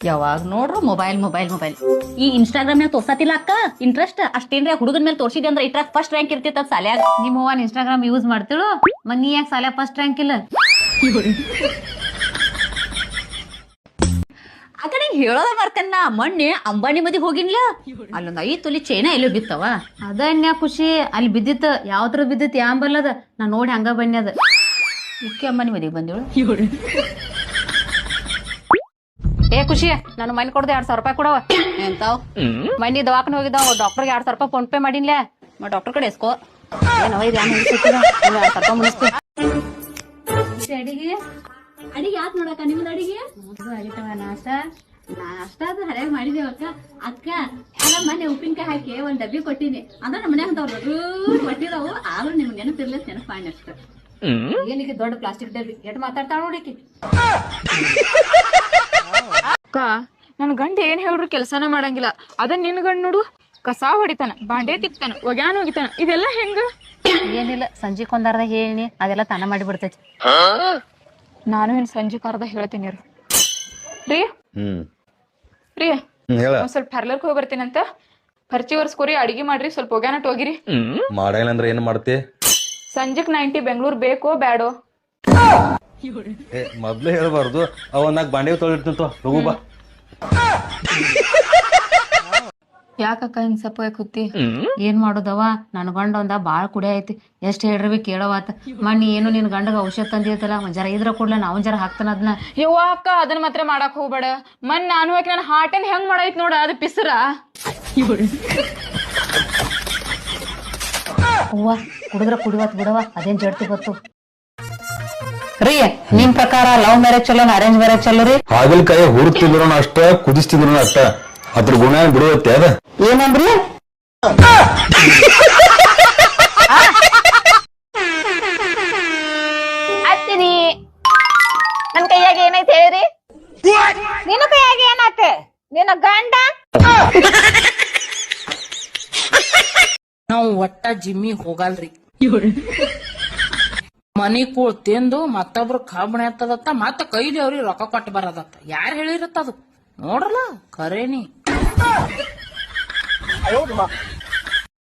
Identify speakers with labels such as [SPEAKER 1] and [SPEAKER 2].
[SPEAKER 1] ಯಾವಾಗ ನೋಡ್ರು mobile mobile mobile. ಈ ಇನ್ಸ್ಟಾಗ್ರಾಮ್ ನಾಗ ತೋರ್ಸತಿಲ್ಲ ಅಕ್ಕ ಇಂಟ್ರೆಸ್ಟ್ ಅಷ್ಟೇನ್ರಿ ಹುಡುಗನ ಮೇಲೆ ತೋರ್ಸಿದೆ ಅಂದ್ರೆ ಇಟ್ರಾಗ ಫಸ್ಟ್ ರ್ಯಾಂಕ್ ಇರ್ತಿತ್ತ ಸಾಲ್ಯಾಗ. ನಿಮ್ಮ ಅವ್ವ ಇನ್ಸ್ಟಾಗ್ರಾಮ್ ಯೂಸ್ ಮಾಡ್ತಿಳು ಮತ್ ನೀ ಯಾಕೆ ಸಾಲ್ಯಾಗ ಫಸ್ಟ್ ರ್ಯಾಂಕ್ ಇಲ್ಲ? ಆ ಕಡೆ ಹೇಳೋದ ಮರ್ಕನ್ನ ಮೊನ್ನೆ ಅಂಬಾನಿ ಮದಿಗೆ ಹೋಗಿನ್ಲ, ಅಲ್ಲೊಂದ್ 5 ತೊಲಿ ಚೈನಾ ಎಲ್ಲೋ ಬಿತ್ತವ. ಅದ ಅನ್ಯಾ ಖುಷಿ ಅಲ್ಲಿ ಬಿದ್ದಿತ್ತು. ಯಾವ್ದ್ರ ಬಿದ್ದಿತ್ತು ಯಾಂಬಲ್ಲದ ನಾ ನೋಡಿ ಹಂಗ ಬನ್ನಿ ಅದ ಇಕ್ಕಿ ಅಂಬಾನಿ ಮದಿಗೆ ಬಂದೇಳು. ಏ ಖುಷಿ ನಾನು ಮನೆ ಕೊಡ್ದು 2,000 ರೂಪಾಯಿ ಕೊಡವ. ಎಂತಾವ್ ಮನಿ ದವಾಖಾನೆ ಹೋಗಿದ್ದಾವ ಡಾಕ್ಟರ್ಗೆ 2,000 ರೂಪಾಯಿ ಫೋನ್ ಪೇ ಮಾಡಿನ್ಲ. ಡಾಕ್ಟರ್ ಕಡೆ ಎಸ್ಕೋ ಏನವ ಇದು 2,000 ರೂಪಾಯಿ ಮುಗಿಸ್ತೀವಿ. ಅಡಿಗೆ ಅಡಿಗೆ ಯಾಕೆ ನೋಡಕ್ಕ ನಿಮ್ದು ಅಡಿಗೆ ಆಗಿತ್ತವ? ನಾಷ್ಟ ಅದು ಹರಿಯಾಗಿ ಮಾಡಿದೇವಕ್ಕ. ಅಕ್ಕ ಅಲ್ಲ ಮೊನ್ನೆ ಉಪ್ಪಿನಕಾಯಿ ಹಾಕಿ ಒಂದ್ ಡಬ್ಬಿ ಕೊಟ್ಟಿನಿ ಅಂದ್ರೆ ನಮ್ಮ ಮನ್ಯಾಗ ಕೊಟ್ಟಿದಾವು. ಆದ್ರೂ ನಿಮ್ಗೆ ನೆನಪಿರ್ಲ ನೆನಪು ಮಾಡಿ ಅಷ್ಟ. ಏನಿಗೆ ದೊಡ್ಡ ಪ್ಲಾಸ್ಟಿಕ್ ಡಬ್ಬಿ ಎಟ್ ಮಾತಾಡ್ತಾಳ ನೋಡಿಕಿ.
[SPEAKER 2] ಅಕ್ಕ ನನ್ ಗಂಡ ಏನ್ ಹೇಳ್ರು ಕೆಲ್ಸಾನ ಮಾಡಂಗಿಲ್ಲ. ಅದ ನಿನ್ ಗಂಡ ನೋಡು ಕಸ ಹೊಡಿತಾನ, ಬಾಂಡೆ ತಿಕ್ತಾನ, ಒಗ್ಯಾನ ಹೋಗಿತಾನ. ಇದೆಲ್ಲ ಹೆಂಗ?
[SPEAKER 1] ಏನಿಲ್ಲ ಸಂಜೆ ಕೊಂದಾರ್ದ ಹೇಳಿ ಅದೆಲ್ಲ ತಾನ ಮಾಡಿ ಬಿಡ್ತೈತಿ.
[SPEAKER 2] ನಾನು ಇನ್ ಸಂಜೆ ಕರ್ದ ಹೇಳ್ತೀನಿ ರೀ. ರೀ ಒಂದ್ ಸ್ವಲ್ಪ ಪಾರ್ಲರ್ಗೆ ಹೋಗಿ ಬರ್ತೀನಂತ. ಖರ್ಚಿ ವರ್ಸ್ಕೋರಿ, ಅಡಿಗೆ ಮಾಡ್ರಿ, ಸ್ವಲ್ಪ ಒಗ್ಯಾನ ಹೋಗಿರಿ.
[SPEAKER 3] ಮಾಡಂಗಿಲ್ಲ ಅಂದ್ರೆ ಏನ್ ಮಾಡ್ತಿ?
[SPEAKER 2] ಸಂಜೆಕ್ 90 ಬೆಂಗ್ಳೂರ್ ಬೇಕೋ ಬ್ಯಾಡೋ?
[SPEAKER 3] ಮೊದ್ಲೇ ಹೇಳ್ಬಾರ್ದು. ಅವನ್ನಾಗ ಬಾಂಡೆ ತೊಳಿರ್ತಿಂತ ಹೋಗು ಬಾ.
[SPEAKER 1] ಯಾಕಕ್ಕ ಹಿಂಗ್ ಸಪ್ಪ ಕೂತಿ? ಏನ್ ಮಾಡೋದವ ನನ್ ಗಂಡ ಒಂದ ಬಾಳ್ ಕುಡಿ ಐತಿ. ಎಷ್ಟ್ ಹೇಳ್ರಿ ಕೇಳವಾತ. ಮಣ್ಣಿ ಏನು ನಿನ್ ಗಂಡಗ ಔಷಧ ತಂದಿರ್ತಲ್ಲ ಒಂದ್ ಜರ ಇದ್ರ ಕೂಡ್ಲ ನಾವ್ ಜರ ಹಾಕ್ತಾನ ಅದನ್ನ.
[SPEAKER 2] ಯವ್ವ ಅಕ್ಕ ಅದನ್ನ ಮಾತ್ರ ಮಾಡಕ್ ಹೋಗ್ಬೇಡ. ಮನ್ ನಾನು ಹಾಕಿ ನನ್ ಹಾರ್ಟ್ ಏನ್ ಹೆಂಗ್ ಮಾಡೈತ್ ನೋಡ ಅದು ಪಿಸರ.
[SPEAKER 1] ಅವ್ವ ಕುಡಿದ್ರ ಕುಡಿವತ್ ಬಿಡವ ಅದೇನ್ ಜಡ್ತಿ ಗೊತ್ತು. ರೀ ನಿಮ್ ಪ್ರಕಾರ ಲವ್ ಮ್ಯಾರೇಜ್ ಚಲೋ ಅರೇಂಜ್ ಮ್ಯಾರೇಜ್ ಚಲೋ ರೀ?
[SPEAKER 3] ಹಾಗಲಕಾಯಿ ಹುಡುಕ್ತಿದ್ರು ಅಷ್ಟ, ಕುದಿಸ್ತಿದ್ರು ಅಷ್ಟ. ಅದ್ರ ಗುಣ ಬಿಡುವತ್ತೆ ಅದ.
[SPEAKER 1] ಏನಂದ್ರಿ?
[SPEAKER 4] ಹತ್ತಿರಿ ನನ್ ಕೈಯಾಗ ಏನೈತೆ ಹೇಳಿರಿ? ನಿನ್ನ ಕೈಯಾಗ ಏನಾತೆ? ನಿನ್ನ ಗಂಡ
[SPEAKER 5] ನಾವು ಒಟ್ಟ ಜಿಮ್ಮಿ ಹೋಗಲ್ರಿ. ಮನಿ ಕೂಳ್ ತಿಂದು ಮತ್ತೊಬ್ರು ಕಬ್ಬಣ ಎತ್ತದತ್ತ ಮತ್ತ ಕೈದೇವ್ರಿ ರೊಕ್ಕ ಕೊಟ್ಟು ಬರದತ್ತ. ಯಾರು ಹೇಳಿರತ್ತ ಅದು ನೋಡ್ರಲ್ಲ ಖರೇನಿ.